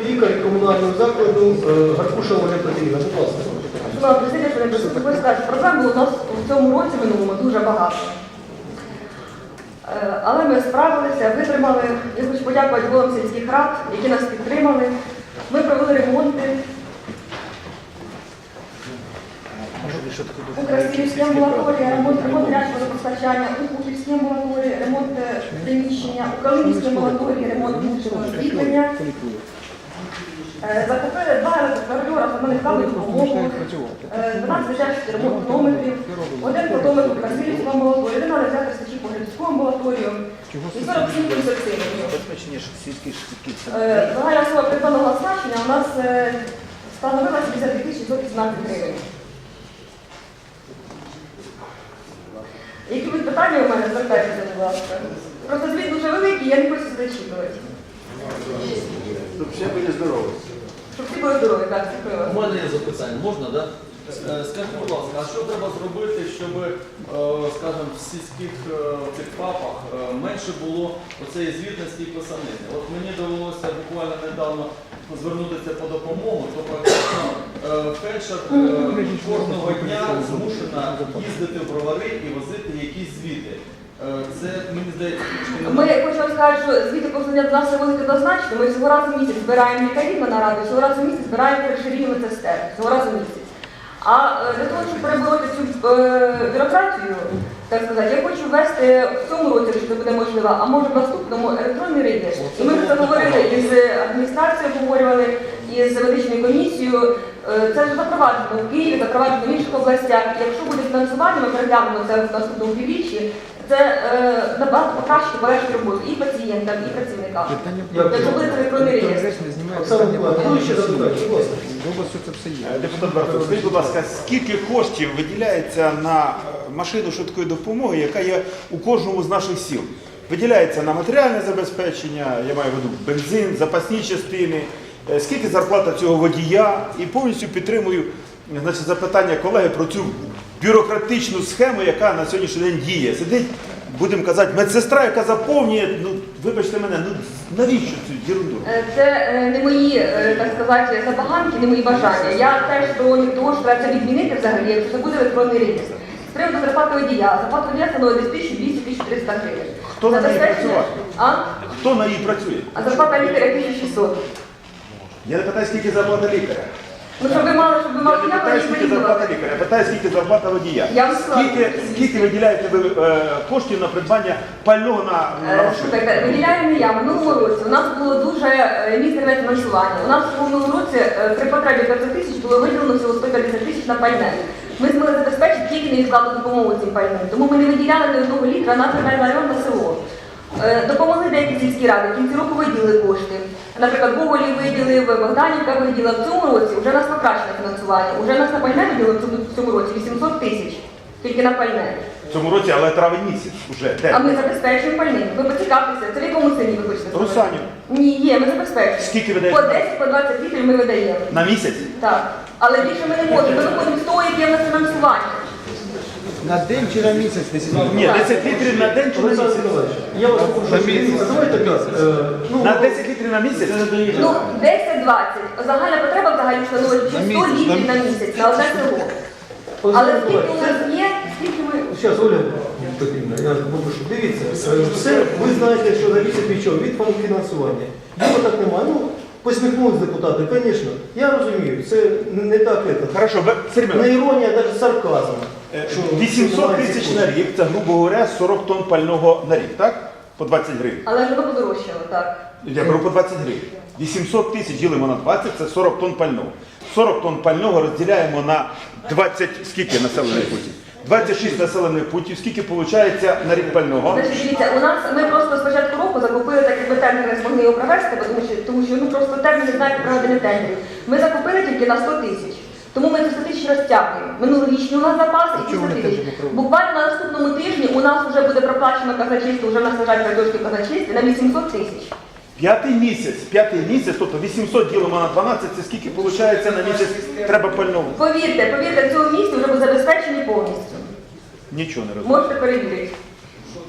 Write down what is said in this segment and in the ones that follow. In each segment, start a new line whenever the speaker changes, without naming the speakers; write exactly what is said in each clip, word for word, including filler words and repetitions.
лікар комунального закладу Гаркуша Ольга Петрівна. Будь ласка.
Шановна президія, що не присутні, сказати, проблем було у нас у цьому році минулому дуже багато. Е, Але ми справилися, витримали. Я хочу подякувати головам сільських рад, які нас підтримали. Ми провели ремонти. У Красилівській амбулаторії ремонт, ремонт гарячого водопостачання, у Купівській амбулаторії ремонт приміщення, у Калинівській амбулаторії ремонт вуличного освітлення. Закупили два електрокардіора, за мене дали допомогу, дванадцять дитячих ремонтометрів, один фотометр у Красилівську амбулаторію, один аналізатор стачі по Глібську амбулаторію і сорок сім консультаційних. Загальна сума придбаного оснащення у нас становила сімдесят дві тисячі сто вісімнадцять гривень. Які будуть питання у мене, звертайтеся, будь ласка. Просто звіт дуже великий, я не хочу зачитувати.
Щоб всі були здорові.
Щоб всі були здорові, так, дякую.
У мене є запитання, можна, так? Да? Скажіть, будь ласка, а що треба зробити, щоб, скажімо, в сільських цих ФАПах менше було оцеї звітності і писанини? От мені довелося буквально недавно звернутися по допомогу, то практично фельдшер кожного дня змушена їздити в бровари і возити якісь звіти. Це, мені здається,
Ми хочемо сказати, що звіти повинні до нас виводити однозначно. Ми всього разу в місяць збираємо лікарів на нараду, всього разу в місяць збираємо фельдшерів медсестер. Всього разу в місяць. А для того, щоб перебороти цю е, бюрократію, так сказати, я хочу ввести в цьому році, якщо це буде можливо, а може в наступному електронний реєстр. І ми вже говорили із адміністрацією, обговорювали, із медичною комісією. Це вже запроваджено в Києві, запроваджено в інших областях. Якщо буде фінансування, ми переглянемо це в наступному півріччі. Це е, набагато покращить полегшить роботу і пацієнтам, і працівникам. Якщо буде електронний реєстр.
Депутат Барсук, скажіть, будь ласка, скільки коштів виділяється на машину швидкої допомоги, яка є у кожному з наших сіл? Виділяється на матеріальне забезпечення, я маю в виду бензин, запасні частини, скільки зарплата цього водія, і повністю підтримую, значить, запитання колеги про цю бюрократичну схему, яка на сьогоднішній день діє. Сидить, будемо казати, медсестра, яка заповнює, ну, вибачте мене, ну навіщо цю ерунду?
Це е, не мої, е, так сказати, забаганки, не мої бажання. Я теж сторонник того, що треба це відмінити взагалі, якщо це буде електронний реєстр. З приводу зарплати водія. Зарплата водія становить десь тисячу двісті - тисячу триста гривень.
Хто на неї працює?
А?
Хто на ній працює?
А зарплата лікаря тисяча шістсот.
Я не питаю, скільки зарплата лікаря.
Ну, щоб ви мали, щоб ви мали,
Я не питаю, скільки зарплата лікаря, я питаю, скільки зарплата водія.
Я вам сказала.
Скільки, скільки виділяєте ви е, коштів на придбання пального на, на машину?
Слухайте, виділяю не я. В минулому році у нас було дуже мізерне фінансування. У нас в минулому році е, при потребі п'ятсот тисяч було виділено всього сто п'ятдесят тисяч на пальне. Ми змогли забезпечити тільки невідкладну допомогу цим пальним. Тому ми не виділяли ні одного літра на район, на село. Допомогли деякі сільські ради, в кінці року виділили кошти. Наприклад, Гоголів виділив, Богданівка виділила. В цьому році вже у нас покращено фінансування. Уже у нас на пальне виділили в цьому році вісімсот тисяч. Тільки на пальне.
В цьому році, але травень місяць вже.
А ми забезпечуємо пальним. Ви поцікавтеся, це в якому селі ви хочете сказати?
Русанів.
Ні, є, ми забезпечуємо.
Скільки ви даєте?
По десять, по двадцять літрів ми видаємо.
На місяць?
Так. Але більше ми не можемо. Ми виходимо з того, яке в нас фінансування.
На день чи на місяць?
Ні, десять літрів на день чи на місяць?
Я вас попрошу, давайте так. Ну,
На десять літрів на місяць?
Ну, десять - двадцять. Загальна потреба взагалі становить сто літрів на місяць, на одне село. Але скільки у нас є, скільки ми...
Зараз, Оля Петрівна, я попрошу. Дивіться, все, ви знаєте, що зависить від чого? Від фінансування. Його так немає. Ну, посміхнулись депутати, звісно. Я розумію, це не так.
Хорошо, Сергій
Не іронія, навіть сарказм.
вісімсот тисяч на рік, це, грубо говоря, сорок тонн пального на рік, так? По двадцять гривень.
Але ж воно подорожчало, так.
Я беру по двадцять гривень. вісімсот тисяч ділимо на двадцять, це сорок тонн пального. сорок тонн пального розділяємо на двадцять, скільки населених пунктів? двадцять шість населених пунктів, скільки виходить на рік пального?
Значить, дивіться, у нас, ми просто з початку року закупили, так як ми терміни не змогли його провести, тому що, тому що ну, просто терміни знають проведення тендерів. Ми закупили тільки на сто тисяч. Тому ми ці сто тисяч розтягуємо. Минулорічні у нас запас і ці сто тисяч. Буквально на наступному тижні у нас вже буде проплачено казначейство, вже в нас лежать картошки в казначействі на вісімсот тисяч.
П'ятий місяць, п'ятий місяць, тобто вісімсот ділимо на дванадцять, це скільки виходить на місяць треба пального?
Повірте, повірте, в цьому місці вже буде забезпечені повністю.
Нічого не розумію.
Можете перевірити.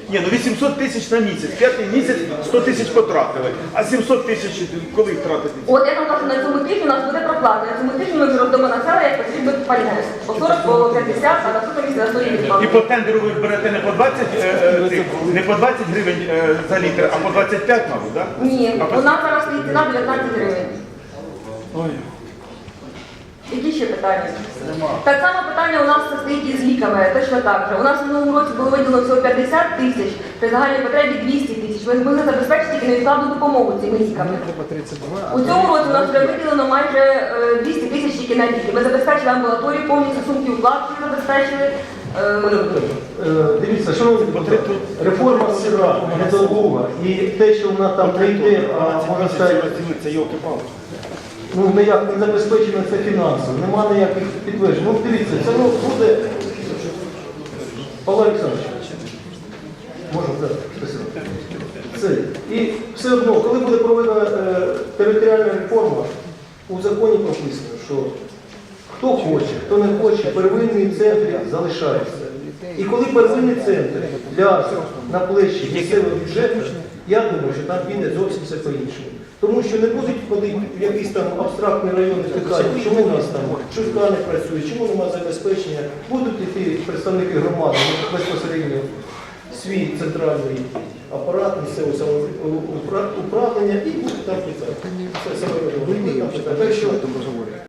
Ні, ну вісімсот тисяч на місяць, п'ятий місяць сто тисяч потратили, а сімсот тисяч коли їх тратити?
От я кажу, на цьому тижні у нас буде проплата. На цьому тижні ми вже роздамо населення, як потрібно пальне. По сорок, по п'ятдесят, а наступного місяця на сто
І по тендеру ви берете не по двадцять, е, е, цих, не по двадцять гривень е, за літр, а по двадцять п'ять, мабуть, так?
Ні,
А по-
у нас зараз стоїть ціна дев'ятнадцять гривень.
Ой.
Які ще питання? Так само питання у нас стоїть із ліками, точно так же. У нас в минулому році було виділено всього п'ятдесят тисяч, при загальній потребі двісті тисяч. Ми змогли забезпечити тільки невідкладну допомогу цими ліками.
Треба тридцать два.
У цьому році у нас вже виділено майже е, двісті тисяч тільки на ліки. Ми забезпечили амбулаторію повністю, сумки укладки забезпечили. Е,
Е, Дивіться, шановні депутати, реформа сира, недолуга, і те, що вона там не йде, а можна сказати,
Це йолки-палки.
ну ніяк не забезпечено це фінансово, нема ніяких підтверджень. Ну дивіться, це ну, буде. Павло Олександрович, можна, так, спасибо. Це. І все одно, коли буде проведена е, територіальна реформа, у законі прописано, що хто хоче, хто не хоче, первинний центр залишається. І коли первинний центр ляже на плечі місцевого бюджету, я думаю, що там піде зовсім все по-іншому. Тому що не будуть ходити в якийсь там абстрактний район і питати, чому у нас там швидка не працює, чому немає забезпечення. Будуть йти представники громади безпосередньо в свій центральний апарат місцевого самоуправління і будуть там питати. Це саме. Так що